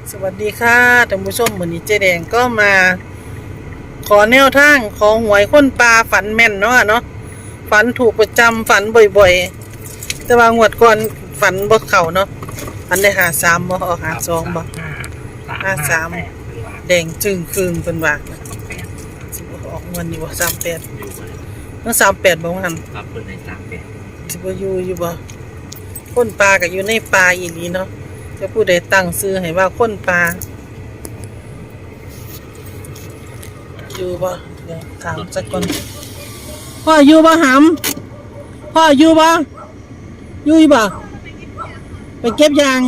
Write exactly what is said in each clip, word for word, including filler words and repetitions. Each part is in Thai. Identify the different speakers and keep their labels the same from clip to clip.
Speaker 1: สวัสดีค่ะท่านผู้ชมวันนี้เจ๊แดงก็มาขอแนวทางของหวยคนปลาฝันแม่นเนาะเนาะฝันถูกประจำฝันบ่อยๆแต่ว่างวดก่อนฝันบ่เข้าเนาะฝันได้หาสามบ่ออกหาสองบ่ห้าสามแดงจึงคืนเป็นว่าสิบ่ออกงวดนี้บ่สามแปดเมื่อสามแปดบ่ว่าหั่น
Speaker 2: ครับเพิ่นได้สามแปด
Speaker 1: สิบ่อยู่อยู่บ่คนปลาก็อยู่ในปลาอีหลีเนาะจะผู้ใดตั้งชื่อให้ว่าคนปลาอยู่บ่เดี๋ยวถามสักคนพ่ออยู่บ่หำพ่ออยู่บ่อยู่บ่ไปเก็บยาง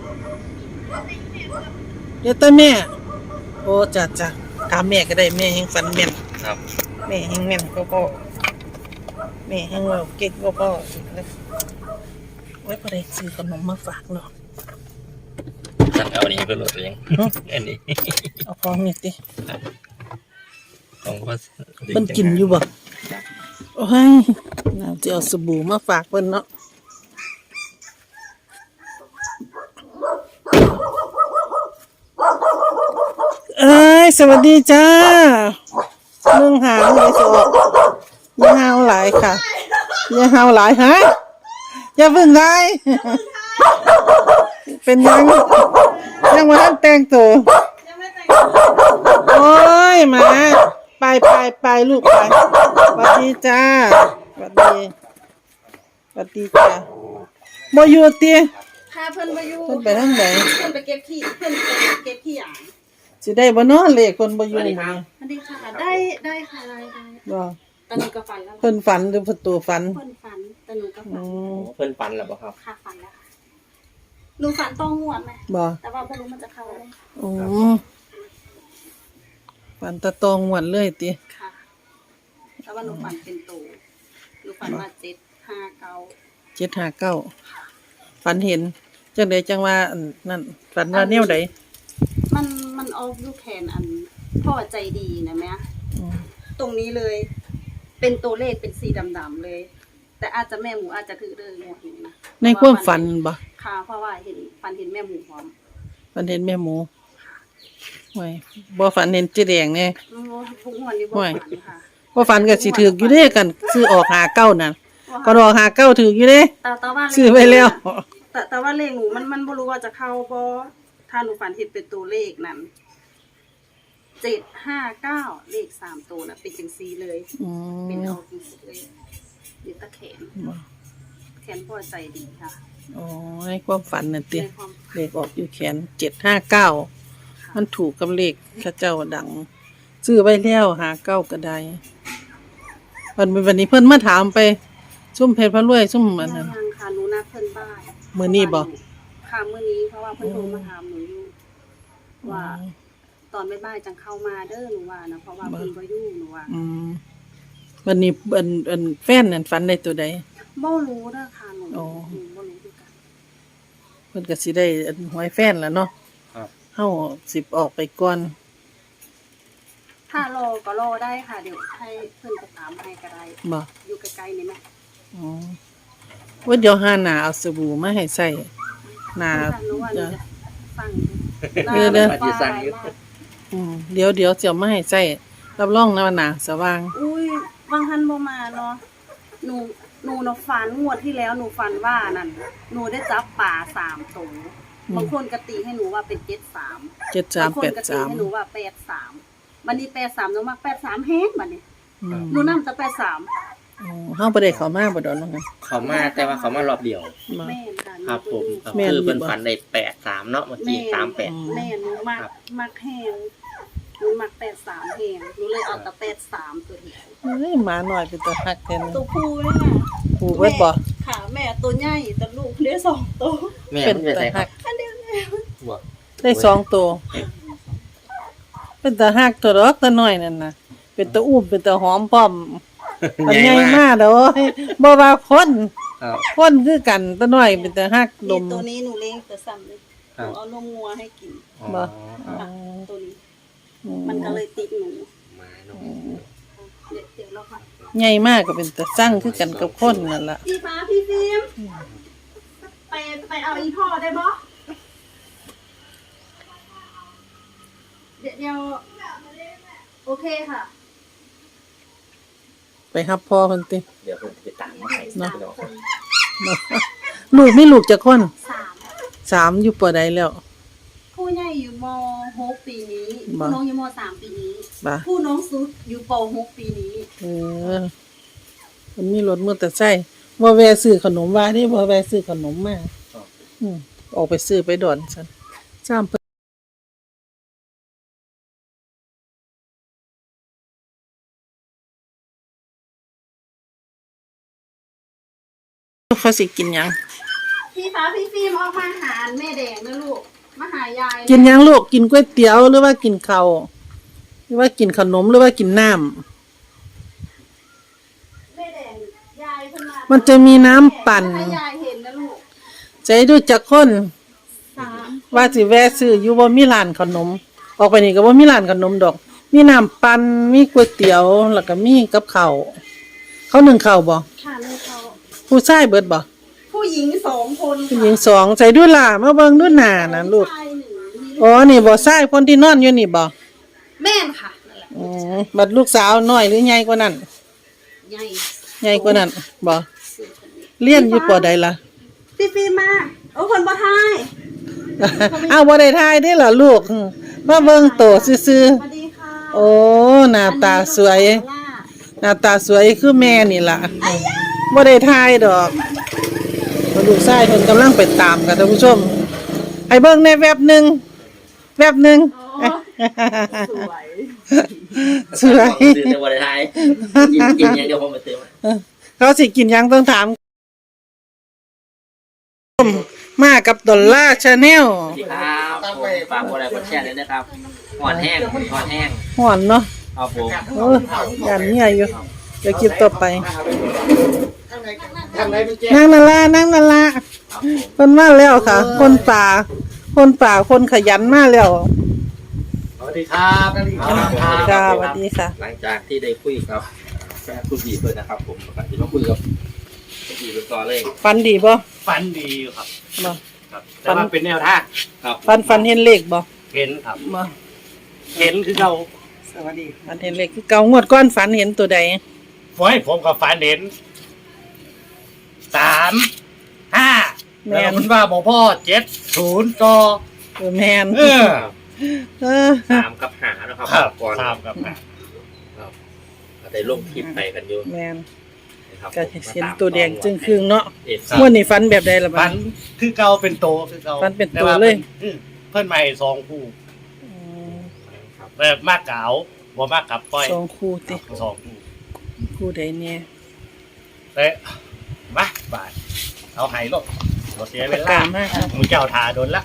Speaker 1: เดี๋ยวตาแม่โอ้จ้ะจ้ะถามแม่ก็ได้แม่แห่งฝันแม่น
Speaker 2: ครับ
Speaker 1: แม่แห่งแม่นก็พ่อแม่แห่งเราเก่งก็พ่อไว้พอได้ซื้อขนมมาฝากเนาะ
Speaker 2: ท่านเอาอันนี้เพิ่นโหลดยังอันนี้
Speaker 1: เอาของนี่ติ
Speaker 2: ของว่า
Speaker 1: เพิ่นกินอยู่บ่โอ้ยน่าจะเอาสบู่มาฝากเพิ่นเนาะเอ้ยสวัสดีจ้าเรื่องหางเลยสอกอย่าหาวหลายค่ะอย่าหาวหลายฮะอย่าเพิ่งได้เป็นยังยังมาแต่งตัวโอ้ยมาไปไปไปลูกไปสวัสดีจ้าสวัสดีสวัสดีจ้าบ่อยู่ติ
Speaker 3: พาเพิ่นมาอยู่
Speaker 1: เพิ่นไปทางไหน
Speaker 3: เพิ่นไปเก็บขี้เพิ่นไปเก็บขี้หยาง
Speaker 1: สิได้บ่เนาะเลขคนบ่อยู่นี่
Speaker 3: สวัสดีค่ะได้ได้ค่ะได้ได้
Speaker 1: บ่
Speaker 3: ตะหนูก็ฝันแล้ว
Speaker 1: เพิ่นฝันหรือเพิ่นตัวฝัน
Speaker 3: เพิ่นฝันตะหนูก็ฝัน
Speaker 2: เพิ่นฝันแล้วบ่ครับ
Speaker 3: ค่ะฝันแล้วค่ะหนูฝันต้องงวดมั้ย
Speaker 1: บ่
Speaker 3: แต่ว่าบ่รู้มันจะเข้าได้
Speaker 1: อ๋อฝันตะตองงวดเลยติ
Speaker 3: ค่ะแต่ว่าหนูฝันเป็นโตหนูฝันว่าเจ็ดห้าเก้า
Speaker 1: เจ็ดห้าเก้าฝันเห็นจังได๋จังว่าอันนั่นฝันว่าแนวใด
Speaker 3: มันมันออกอยู่แขนอันพ่อใจดีนะแม่ตรงนี้เลยเป็นตัวเลขเป็นสีดำๆเลยแต่อาจจะแม่หมูอาจจะคือเรื่องงวดนี้นะ
Speaker 1: ในความฝันบ่
Speaker 3: ค่ะเพราะว่าเห็นฝันเห็นแม่หมูพร้อม
Speaker 1: ฝันเห็นแม่หมูโอ้ยบ่ฝันเห็นเจ๊แดงแน่
Speaker 3: โอ้ทุกงวดนี้บ่ฝันค่ะ
Speaker 1: บ่ฝันก็สิถูกอยู่เด้กันซื้อออกห้าเก้านั่นก็ออกห้าเก้าถูกอยู่เด้
Speaker 3: แต่แต่ว่า
Speaker 1: ซื้อไว้แล้ว
Speaker 3: แต่แต่ว่าเลขหนูมันมันบ่รู้ว่าจะเข้าบ่ถ้าหนูฝันเห็นเป็นตัวเลขนั้นเจ็ดห้าเก้าเลขสามตัวน่ะเป็นจังซี่เลย
Speaker 1: อืม
Speaker 3: เป็นเอาจังซี่เลยอยู่ตะแขนแขนพอใจดีค่ะ
Speaker 1: อ๋อในความฝันน่ะติเลขออกอยู่แขนเจ็ดห้าเก้ามันถูกกับเลขเขาเจ้าดังซื้อไว้แล้วห้าเก้าก็ได้วันวันนี้เพิ่นมาถามไปซุ่มเพชรพระรวยซุ่มอันนั้น
Speaker 3: ยังค่ะหนูนัดเพิ่นบ้าน
Speaker 1: มื้อนี้บ่
Speaker 3: ค่ะมื้อนี้เพราะว่าเพิ่นโทรมาถามหนูอยู่ว่าตอนบ่ายๆจังเข้ามาเด้อหนูว่านะเพราะว่าเพิ่นบ่อยู่หนูว่า
Speaker 1: อืมวันนี้อันอันแฟนนั่นฝันได้ตัวใด
Speaker 3: บ่รู้เด้อค่ะหนูหนูบ่รู้คือกัน
Speaker 1: เพิ่นก็สิได้อันหวยแฟนแล้วเนาะ
Speaker 2: ครับ
Speaker 1: เฮาสิออกไปก่อน
Speaker 3: ถ้ารอก็รอได้ค่ะเดี๋ยวให้เพิ่นไปตามให้ก็ได้
Speaker 1: บ่
Speaker 3: อยู่ใกล้ๆนี่แม่
Speaker 1: อ๋อว่าเดี๋ยวหาหน้าเอาสบู่มาให้ใส่หน้าจะ
Speaker 3: ฟัง
Speaker 1: เด้อเด้ออืมเดี๋ยวเดี๋ยวสิเอามาให้ใส่รับรองนะว่าหน้าสว่าง
Speaker 3: อุ้ยบางท่านบ่มาเนาะหนูหนูเนาะฝันงวดที่แล้วหนูฝันว่านั่นหนูได้จับปลาสามตัวบางคนก็ตีให้หนูว่าเป็นเจ็ดสาม
Speaker 1: เจ็ดสาม แปดสาม
Speaker 3: บางคนก็ตีให้หนูว่าแปดสามบัดนี้แปดสามหนูมักแปดสามแฮงบัดนี้หนูนำแต่แปดสาม
Speaker 1: อ๋อเฮาบ่ได้เข้ามาบ่ดอกเนาะ
Speaker 2: เขามาแต่ว่าเขามารอบเดียว
Speaker 3: แม่นค่ะ
Speaker 2: ครับผมคือเพิ่นฝันได้แปดสามเนาะเมื่อกี้สามแปด
Speaker 3: แม่หนูมักมักแฮงหนูมักแปดสามแฮงหนูเลยเอาแต่แปดสามตัวเดียว
Speaker 1: เฮ้ยหมาน้อยเป็นตัวฮักแท้นะ
Speaker 3: ตัวผู้นี่ค่ะ
Speaker 1: ผู้เบิดบ่
Speaker 3: ค่ะแม่ตัวใหญ่แต่ลูกได้สองตัว
Speaker 2: แม่เป็นตัวฮัก
Speaker 3: อันเดียว
Speaker 2: บ่
Speaker 1: ได้สองตัวเป็นตัวฮักตัวดอกตัวน้อยนั่นน่ะเป็นตัวอุ้มเป็นตัวหอมพร้อมมันใหญ่มากเด้อบ่ว่าคนคนคือกันตัวน้อยเป็นตัวฮักลม
Speaker 3: ตัวนี้หนูเลี้ยงตัวซ้ำเลยหนูเอานมงัวให้กิน
Speaker 1: บ่
Speaker 3: ตัวนี้มันก็เลยติดหนูเดี๋ยวเราค่ะ
Speaker 1: ใหญ่มากก็เป็นตัวสั่งคือกันกับคนนั่นล่ะ
Speaker 3: พี่ฟ้าพี่ฟิล์มไปไปเอาอีพ่อได้บ่เดี๋ยวโอเคค่ะ
Speaker 1: ไปรับพ่อเพิ่นติ
Speaker 2: เดี๋ยวผมจะตามมาให้
Speaker 1: เนาะ
Speaker 2: พี่น้อง
Speaker 1: ลูกมีลูกจักคน
Speaker 3: สาม
Speaker 1: สามอยู่ปอใดแล้ว
Speaker 3: ผู้ใหญ่อยู่ม หกปีนี้
Speaker 1: บ่
Speaker 3: ผู้น้องอยู่ม สามปีนี้
Speaker 1: บ่
Speaker 3: ผู้น้องสุดอยู่ป หกปีนี้
Speaker 1: เออมันมีรถมอเตอร์ไซค์บ่แวะซื้อขนมว่านี่บ่แวะซื้อขนมมาอืมออกไปซื้อไปดอนซั่นจ้ามเพิ่นเขาสิกินหยัง
Speaker 3: พี่ฟ้าพี่ฟิล์มออกมาหาแม่แดงนะลูกมาหายาย
Speaker 1: กินหยังลูกกินก๋วยเตี๋ยวหรือว่ากินข้าวหรือว่ากินขนมหรือว่ากินน้ำ
Speaker 3: แม่แดงยายเพิ่นมา
Speaker 1: มันจะมีน้ำปั่น
Speaker 3: ให้ยายเห็นนะลูก
Speaker 1: ใจดูจักคน
Speaker 3: สาม
Speaker 1: ว่าสิแวะซื้ออยู่บ่มีร้านขนม ออกไปนี่ก็บ่มีร้านขนมดอก มีน้ำปั่นมีก๋วยเตี๋ยวแล้วก็มีกับข้าวเขานึ่งข้าวบ่
Speaker 3: ค่ะลูกเขา
Speaker 1: ผู้ชายเบิดบ่
Speaker 3: ผู้หญิงสองคน
Speaker 1: ผู้หญิงสองใจดูล่ะมาเบิ่งดูหน้าน่ะลูก
Speaker 3: ชายหนึ่งมี
Speaker 1: อ๋อนี่บ่ชายคนที่นอนอยู่นี่บ่
Speaker 3: แม่นค่ะนั่นแหละ
Speaker 1: อืมบัดลูกสาวน้อยหรือใหญ่กว่านั้น
Speaker 3: ใหญ่
Speaker 1: ใหญ่กว่านั้นบ่
Speaker 3: สุดคนนี้
Speaker 1: เรียนอยู่ปอใดล่ะ
Speaker 3: พี่ฟิล์มมาโอ้คนบ่ทาย
Speaker 1: อ้าวบ่ได้ทายเด้ล่ะลูกอืมมาเบิ่งโตซื่อ
Speaker 3: สวัสดีค่ะ
Speaker 1: ๆโอ้หน้าตาสวย หน้าตาสวยคือแม่นี่ล่ะบ่ได้ทายดอกลูกชายเพิ่นกำลังไปตามค่ะท่านผู้ชมให้เบิ่งในแวบหนึงแวบหนึง
Speaker 3: โอ้สวย
Speaker 1: สวย
Speaker 2: ซื้อในวันไทยกินกินอย่างเดียวผมไปซื้อมา
Speaker 1: เขาสิกินหยังต้องถามมากับดอลลาร์ชาแนล
Speaker 2: สวัสดีครับผมฝากกดไลค์กดแชร์ด้วยนะครับหอนแห้งหอนแห้ง
Speaker 1: ห่อนเนาะ
Speaker 2: ครับผม
Speaker 1: โอ้ยยานเมียอยู่เดี๋ยวคลิปต่อไปนั่งนั่นละนั่งนั่นละ
Speaker 2: ครับผม
Speaker 1: เพิ่นมาแล้วค่ะ คนป่า คนป่าคนขยันมาแล้ว
Speaker 4: สวัสดีครับสวัสดีค
Speaker 1: ค่ะ
Speaker 4: รับ
Speaker 1: สวัสดีค่ะ
Speaker 2: หลังจากที่ได้คุยกับแฟนคุณบีเพื่อนนะครับ ผมก็จะมาคุยกับคุณบีเป็นต่อเลย
Speaker 1: ฟันดีบ่
Speaker 4: ฟันดีอยู่ครับ
Speaker 1: บ่
Speaker 4: ครับ แต่ว่าเป็นแนวทาง
Speaker 2: ครับ
Speaker 1: ฟันฟันเห็นเลขบ่
Speaker 4: เห็นครับ
Speaker 1: บ่
Speaker 4: เห็นคือเรา
Speaker 1: สวัสดีฟันเห็นเลขคือเก่างวดก้อนฝันเห็นตัวใด
Speaker 4: ฝอยผมกับฟันเห็นสามห้าแล้วคุณว่าบอกพ่อเจ็ดศูนย์ต่อ
Speaker 1: เออแม่น
Speaker 4: เออ
Speaker 1: เออ
Speaker 2: สามกับหานะครับ
Speaker 4: ครับ
Speaker 2: ก่อน
Speaker 4: สามกับห้า
Speaker 2: ครับก็ได้ลงคลิปไปกันอยู่
Speaker 1: แม่น
Speaker 2: นะครับ
Speaker 1: ก็เห็นตัวแดงจึงครึ่งเนาะ
Speaker 2: เอฟ
Speaker 1: งวดนี้ฝันแบบใดล่ะบั
Speaker 4: ฟั
Speaker 1: ด
Speaker 4: นคือเก่าเป็นโตคือเก่า
Speaker 1: ฟันเป็นโต
Speaker 4: แว่า
Speaker 1: เลย
Speaker 4: พิ่นเพิ่นมาให้สองคู่
Speaker 1: อืม
Speaker 2: ครับ
Speaker 4: แบบมากเก๋าบ่มากกับป้อย
Speaker 1: สองคู่ติ
Speaker 4: สองคู่
Speaker 1: คู่ใดเนี่ย
Speaker 4: แต่มาบาทเอาไห้ลงบ่เสียเว
Speaker 1: ปาก
Speaker 4: ลา
Speaker 1: กามากครับ
Speaker 4: หมูเจ้าทาโดนละ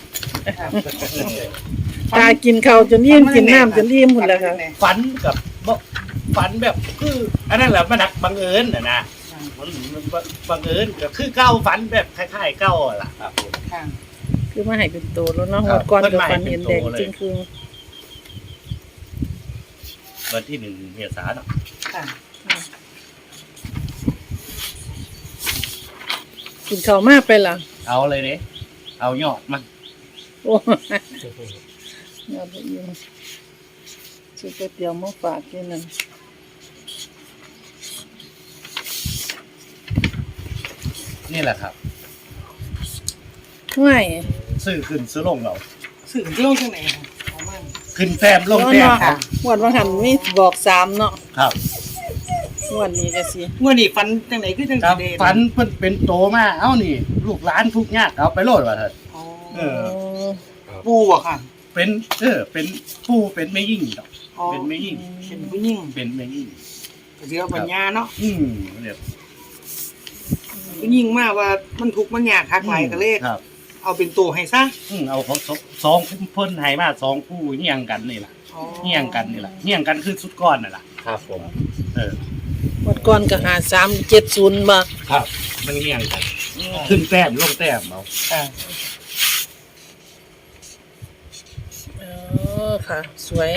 Speaker 1: ตากินข้าวจนอิ่มกินน้ำจนอิ่มพุ่นแล้วค่ะ
Speaker 4: ฝันกับบ่ฝันแบบคืออันนั้นแหละมันหักบังเอิญน่ะนะมันมันบังเอิญก็คือเก้าฝันแบบคล้ายๆเก้าอะล่ะ
Speaker 2: ครับผม
Speaker 1: คือมาให้เป็นโตแล้วเนาะ
Speaker 4: ค
Speaker 1: ง
Speaker 4: รับ
Speaker 1: วดก่อน
Speaker 4: เพิ่น
Speaker 1: ก็
Speaker 4: มาให้
Speaker 1: ฝัน
Speaker 4: เป็
Speaker 1: เห็
Speaker 4: น
Speaker 1: น
Speaker 4: โต
Speaker 1: แดง
Speaker 4: เลย
Speaker 1: จึงครึ่ง
Speaker 4: วันที่หนึ่งเมษายนเนาะ
Speaker 1: กินข้าวมากไปล่ะ
Speaker 4: เอาเลยเด้เอายอดมัน
Speaker 1: โอ้ยอดอิ่มซื้อก๋วยเตี๋ยวมาฝากที่นั่น
Speaker 4: นี่แหละครับ
Speaker 1: ง่าย
Speaker 4: ซื้อขึ้นซื้อลงเรา
Speaker 1: สื่อที่ลงจังไหนค่ะ
Speaker 4: ขึ้นแต้มลงแต้มครับ
Speaker 1: งวดว่าหันมีบอกสามเนาะ
Speaker 4: ครับ
Speaker 1: งวดนี้ก็สิ
Speaker 5: เมื่อนี่ฟันจังไหนคือจัง
Speaker 4: ครับ
Speaker 5: สิเด
Speaker 4: ฝันเพิ่นเป็นโตมาเอ้านี่ ลูกหลานทุกข์ยากเอาไปโลดว่าเถิด
Speaker 5: อ๋อ
Speaker 4: เออ
Speaker 5: ปูอะค่ะ
Speaker 4: เป็นเออเป็นผู้เป็นแม่ยิ่งดอก
Speaker 5: อ๋อ
Speaker 4: เป็นแม่ยิ่ง
Speaker 5: เป็นผู้หญิง
Speaker 4: เป็นแม่ยิ่ง
Speaker 5: เสียปัญญาเนาะ
Speaker 4: อืมเรียบ
Speaker 5: ผู้หญิงมากว่ามันทุกข์มันยากคักหลายก็เลย
Speaker 4: ครับ
Speaker 5: เอาเป็นตัวให้ซะ
Speaker 4: อืมเอาเขาสองสองเพิ่นให้มาสองผู้เฮี้ยงกันนี่ล่ะ
Speaker 5: อ๋อ
Speaker 4: เฮี้ยงกันนี่ล่ะเฮี้ยงกันคือสุดก้อนน่ะล่ะ
Speaker 2: ครับผม
Speaker 4: เออง
Speaker 1: วดก่อนก็หาสามเจ็ดศูนย์บ่
Speaker 4: ครับ มันเฮี้ยงกัน ขึ้นแต้มลงแต้มเอา
Speaker 5: ค่ะ
Speaker 1: เออค่ะ สวย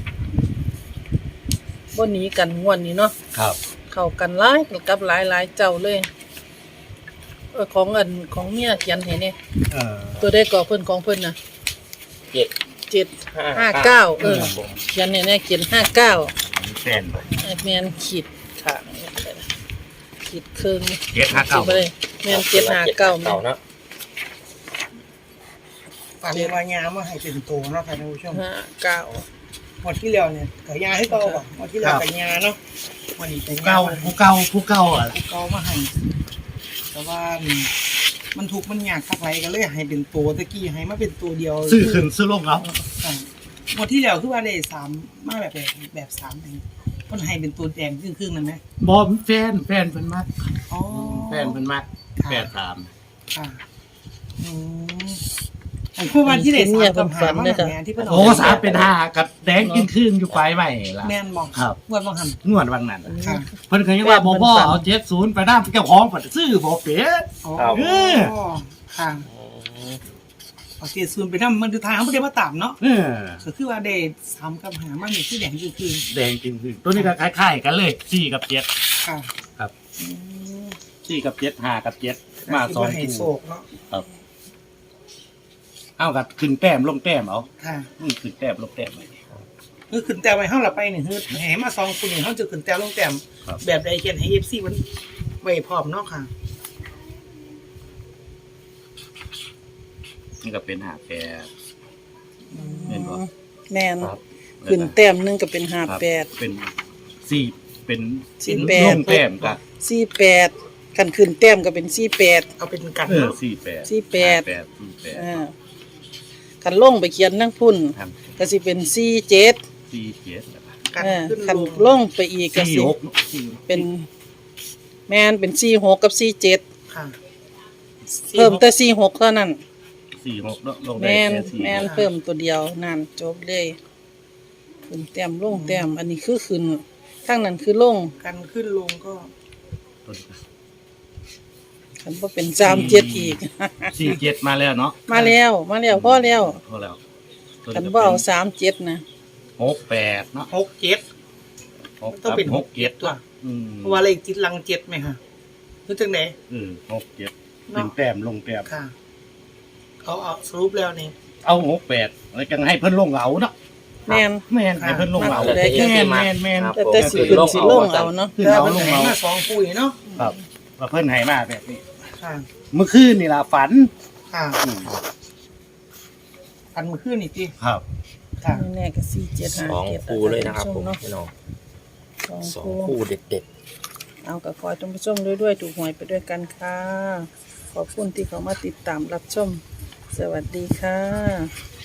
Speaker 1: บ่หนีกันงวดนี้เนาะ
Speaker 4: ครับ
Speaker 1: เข้ากันหลายกับหลายหลายเจ้าเลย เออของอันของเมียเขียนให้เนี่ย
Speaker 4: เออ
Speaker 1: ตัวได้ก่อเพิ่นของเพิ่นน่ะ
Speaker 2: เจ็ด
Speaker 1: เจ็ดห้าเก้าเออ
Speaker 2: ครับผม
Speaker 1: เขียนเนี่ยเนี่ยเขียนห้าเก้า
Speaker 4: แฟนบ่
Speaker 1: แมนขีดค่ะขีดครึ่ง
Speaker 4: เจ็ดห้าเก้า
Speaker 1: ขีดไปเลยแมนเจ็ดห้าเก้าแม
Speaker 2: เก่าน เนาะ
Speaker 5: ฝันว่ายามาให้เป็นตัวเนาะค่ะท่านผู้ชม
Speaker 1: ห้าเก้า
Speaker 5: หมดที่แล้วเนี่ยกับยาให้เก่าบ่หมดที่แล้วกับยาเนาะวันนี้เป็น
Speaker 4: ผู้เก่าผู้เก่าผู้เก่าอ่ะ
Speaker 5: ผู้เก่ามาให้แต่ว่ามันถูกมันยากคักไหลก็เลยให้เป็นตัวตะกี้ให้มาเป็นตัวเดียว
Speaker 4: ซื้อขึ้นซื้อลงเอา
Speaker 5: ค่ะหมดที่แล้วคือว่าได้สามมาแบบแบบแบบสามเองมันให้เป็นตัวแดงครึ่งๆนั่นไหม
Speaker 4: บ่แฟนแฟนเพิ่นมัก
Speaker 5: อ๋อ
Speaker 4: แฟนเพิ่นมักแปดสาม
Speaker 5: ค่ะอืมอันพวกวันที่ได้สามกับหามาแบบนี้ที่เพิ่น
Speaker 4: โอ้สามเป็นห้ากับแดงกินครึ่งอยู่ปลายใหม่ล่ะ
Speaker 5: แม่นบอก
Speaker 4: ครับ
Speaker 5: งวดบางหัน
Speaker 4: งวดวังนั้น
Speaker 5: ค่ะ
Speaker 4: เพิ่นเคยว่าบ่บ่เอาเจ็ดศูนย์ไปนำเจ้าของเพิ่นซื้อบ่เป็ด
Speaker 5: อ๋อ
Speaker 4: เออ
Speaker 5: ค่ะโอเคส่วนไปทำมันคือทางเขาไม่ได้มาตามเนาะ
Speaker 4: เออ
Speaker 5: ก็คือว่าได้สามกับหามันนี่ที่แดงคือคือ
Speaker 4: แดงกินครึ่งตัวนี้ก็คล้ายๆกันเลยสี่กับเจ็ด
Speaker 5: ค่ะ
Speaker 4: ครับ
Speaker 5: อืม
Speaker 4: สี่กับเจ็ดห้ากับเจ็ดมาสอง
Speaker 5: คิดว่ให้โศ
Speaker 4: คู่
Speaker 5: กเนาะ
Speaker 4: ครับเอากับขึ้นแต้มลงแต้มเอา
Speaker 5: ค่ะ
Speaker 4: อือขึ้นแต้มลงแต้มไป
Speaker 5: คือขึ้นแต่ไว้ห้าเราไปเนี่ยคือแหมาสองคนเนี่ยเขาจะขึ้นแต่ลงแต้ม
Speaker 4: ครับ
Speaker 5: แบบใดเขียนให้เอฟซีมันไว้พร้อมเนาะค่ะ
Speaker 4: นี่ก็เป็นหาแปด แม่นบ่
Speaker 1: แมน
Speaker 2: ครับ
Speaker 1: ขึ้นแต้มหนึงก็เป็นห้า
Speaker 4: ครับ
Speaker 1: แปด
Speaker 4: เป็นสี่เป็น
Speaker 1: สี่แปด
Speaker 4: ลงแต้มกับ
Speaker 1: สี่แปดกันขึ้นแต้มก็เป็นสี่แปด
Speaker 5: เอาเป็นกัน
Speaker 4: เออ
Speaker 5: เนาะ
Speaker 4: สี่แปด
Speaker 1: สี่แปด
Speaker 4: ห้าแปดสี่แปด
Speaker 1: อ่ากันลงไปเขียนนั่งพุ่น
Speaker 4: ครับ
Speaker 1: ก็สิเป็นสี่เจ็ด
Speaker 4: สี่เจ็ดนะครับ
Speaker 5: กัน
Speaker 1: เออ
Speaker 5: ขึ้น
Speaker 1: คัน
Speaker 5: ลง
Speaker 1: ลงไปอีกก็
Speaker 4: สี่
Speaker 1: สิ
Speaker 4: หกสี่
Speaker 1: เป็นแมนเป็นสี่หกกับสี่เจ็ด
Speaker 5: ค่ะ
Speaker 1: เพิ่มแต่สี่หกเท่านั้น
Speaker 4: สี่หกเนอะลง
Speaker 1: แม
Speaker 4: ได้
Speaker 1: น
Speaker 4: แค่สี่
Speaker 1: แมนเพิ่มตัวเดียวนั่นจบเลยขึ้นแต้มลงแต้มอันนี้คือขึ้นข้างนั้นคือลง
Speaker 5: กันขึ้นลงก็
Speaker 4: ตัวนี้
Speaker 1: คันบ่เป็นสามเจ็ดอีก
Speaker 4: สี่เจ็ดมาแล้วเนาะ
Speaker 1: มาแล้วมาแล้วพอแล้ว
Speaker 4: พอแล้วตัว
Speaker 1: คัน
Speaker 4: นี้
Speaker 1: บ่
Speaker 4: ก็
Speaker 1: เอา
Speaker 4: เป็น
Speaker 1: สามเจ็ดนะ
Speaker 4: หกแปดเนาะ
Speaker 5: หกเจ็ด
Speaker 4: หก
Speaker 5: ต้องเป็น
Speaker 4: หกเจ็ด
Speaker 5: ตัว
Speaker 4: อืม
Speaker 5: เพราะว่าเลขจิตลังเจ็ดไหมคะรู้จังไหน
Speaker 4: เออหกเจ็ด
Speaker 5: เนาะ
Speaker 4: เป็นแต้มลงแต้ม
Speaker 5: ค่ะเขาเอาสรุปแล้วนี่
Speaker 4: เอาหกแปดแล้วจังให้เพิ่นลงเอาเนาะ
Speaker 1: แม่น
Speaker 4: แม่นให้เพิ่นลงเอา
Speaker 1: มาเลย
Speaker 4: แม่นแม่นแม่น
Speaker 2: ครับ
Speaker 1: แต่แต่สิขึ้นสิลงเอาเนาะ
Speaker 4: ขึ้น
Speaker 5: แต่
Speaker 4: เอา
Speaker 5: มัน
Speaker 4: ลง
Speaker 5: ไหน
Speaker 4: เอา
Speaker 5: มาสองคู่นี่เนาะ
Speaker 4: ครับว่าเพิ่นให้มาแบบนี้
Speaker 5: ค่ะ
Speaker 4: เมื่อคืนนี่ล่ะฝัน
Speaker 5: ค่ะ
Speaker 4: อืม
Speaker 5: อันมือขึ้นอีกที
Speaker 4: ครับ
Speaker 5: ค่ะ
Speaker 1: นี่แน่ก็สี่เจ็ด
Speaker 2: ส
Speaker 1: ห้า
Speaker 2: อง
Speaker 1: เจ็ด
Speaker 2: คู่เลยนะครับผม
Speaker 1: เนาะ
Speaker 2: พี่น้อง
Speaker 1: สอง
Speaker 2: สอง
Speaker 1: คู่
Speaker 2: คู่เด็ด
Speaker 1: เอากับขอให้ท่านผู้ชมด้วยด้วยถูกหวยไปด้วยกันค่ะ ขอบคุณที่เขามาติดตามรับชม สวัสดีค่ะ